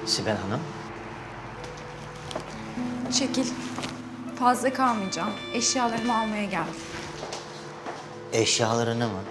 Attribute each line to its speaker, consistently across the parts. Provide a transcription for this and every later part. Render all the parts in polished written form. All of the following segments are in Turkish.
Speaker 1: Sibel Hanım.
Speaker 2: Çekil. Fazla kalmayacağım. Eşyalarımı almaya geldim.
Speaker 1: Eşyalarını mı?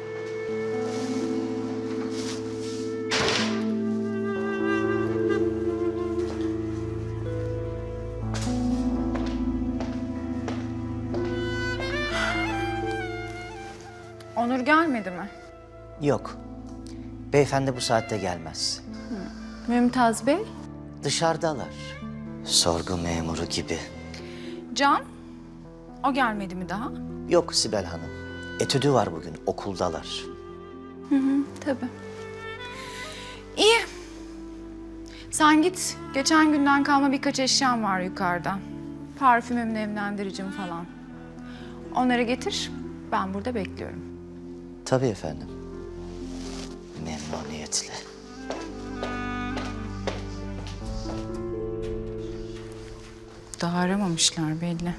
Speaker 2: Onur gelmedi mi?
Speaker 1: Yok. Beyefendi bu saatte gelmez.
Speaker 2: Mümtaz Bey?
Speaker 1: Dışarıdalar. Sorgu memuru gibi.
Speaker 2: Can? O gelmedi mi daha?
Speaker 1: Yok Sibel Hanım. Etüdü var bugün, okuldalar.
Speaker 2: Tabii. İyi. Sen git. Geçen günden kalma birkaç eşyam var yukarıda. Parfümüm, nemlendiricim falan. Onları getir. Ben burada bekliyorum.
Speaker 1: Tabii efendim. Memnuniyetle.
Speaker 2: Daha aramamışlar belli.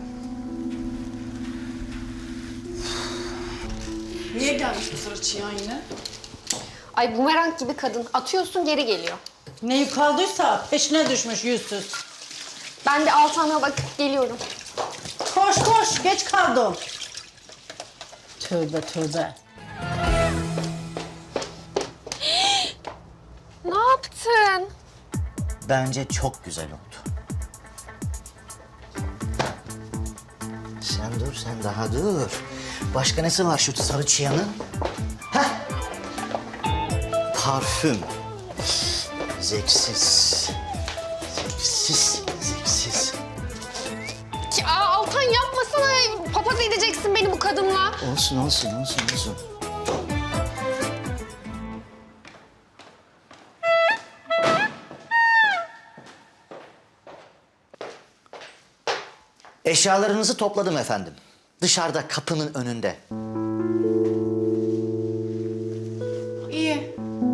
Speaker 3: Niye gelmiş bu fırçayan yine?
Speaker 4: Ay bumerang gibi kadın. Atıyorsun geri geliyor.
Speaker 3: Neyi kaldıysa peşine düşmüş yüzsüz.
Speaker 4: Ben bir Altan'a bakıp geliyorum.
Speaker 3: Koş koş, geç kaldım. Tövbe tövbe.
Speaker 4: Ne yaptın?
Speaker 1: Bence çok güzel oldu. Sen dur, sen daha dur. Başka nesi var şu sarı çıyanın? Heh! Parfüm. Zevksiz. Zevksiz, zevksiz.
Speaker 4: Ya Altan yapmasana. Papaz edeceksin beni bu kadınla.
Speaker 1: Olsun, olsun, olsun, olsun. Eşyalarınızı topladım efendim. Dışarıda kapının önünde.
Speaker 2: İyi.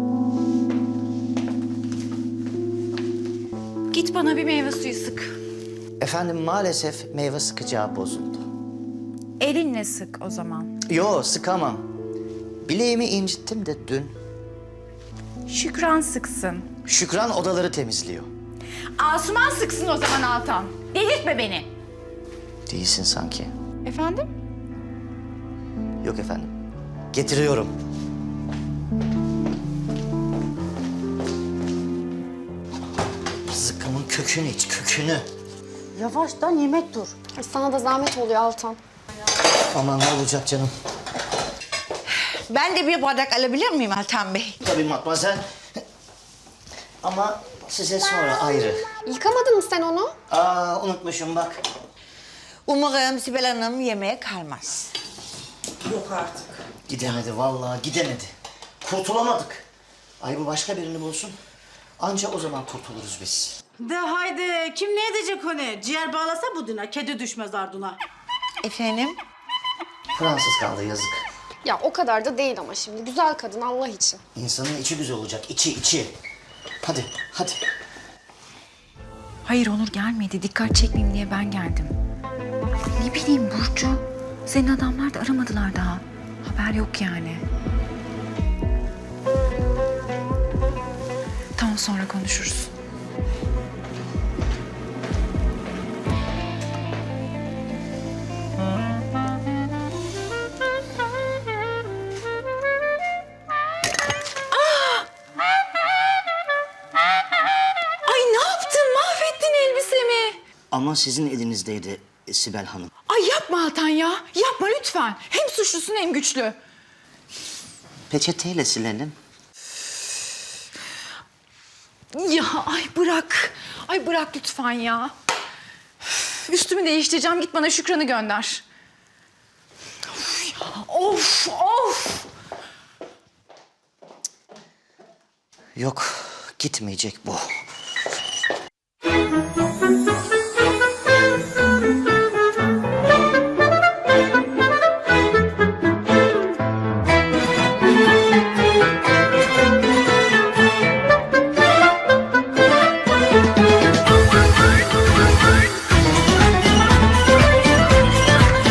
Speaker 2: Git bana bir meyve suyu sık.
Speaker 1: Efendim maalesef meyve sıkacağı bozuldu.
Speaker 2: Elinle sık o zaman.
Speaker 1: Yo sıkamam. Bileğimi incittim de dün.
Speaker 2: Şükran sıksın.
Speaker 1: Şükran odaları temizliyor.
Speaker 2: Asuman sıksın o zaman Altan. Delirtme beni.
Speaker 1: Değilsin sanki.
Speaker 2: Efendim?
Speaker 1: Yok efendim. Getiriyorum. Zıkkımın kökünü iç, kökünü.
Speaker 3: Yavaştan yemek dur.
Speaker 4: Ay, sana da zahmet oluyor Altan.
Speaker 1: Aman ne olacak canım.
Speaker 5: Ben de bir bardak alabilir miyim Altan Bey?
Speaker 1: Tabii matmazel. Ama size sonra ayrı.
Speaker 4: Yıkamadın mı sen onu?
Speaker 1: Aa unutmuşum bak.
Speaker 5: Umarım Sibel Hanım yemeğe kalmaz.
Speaker 3: Yok artık.
Speaker 1: Gidemedi vallahi gidemedi. Kurtulamadık. Ay bu başka birini bulsun. Anca o zaman kurtuluruz biz.
Speaker 3: De haydi, kim ne edecek onu? Ciğer bağlasa buduna, kedi düşmez ardına.
Speaker 5: Efendim?
Speaker 1: Fransız kaldı yazık.
Speaker 4: Ya o kadar da değil ama şimdi. Güzel kadın Allah için.
Speaker 1: İnsanın içi güzel olacak, içi. Hadi, hadi.
Speaker 2: Hayır Onur gelmedi. Dikkat çekmeyeyim diye ben geldim. Ne bileyim Burcu. Senin adamlar da aramadılar daha. Haber yok yani. Tamam sonra konuşuruz. Ay ne yaptın? Mahvettin elbisemi.
Speaker 1: Ama sizin elinizdeydi Sibel Hanım.
Speaker 2: Ay yapma Altan ya. Yapma lütfen. Hem suçlusun hem güçlü.
Speaker 1: Peçeteyle silelim.
Speaker 2: Ya ay bırak. Ay bırak lütfen ya. Üf, üstümü değiştireceğim. Git bana Şükran'ı gönder. Of ya. Of of.
Speaker 1: Yok, gitmeyecek bu.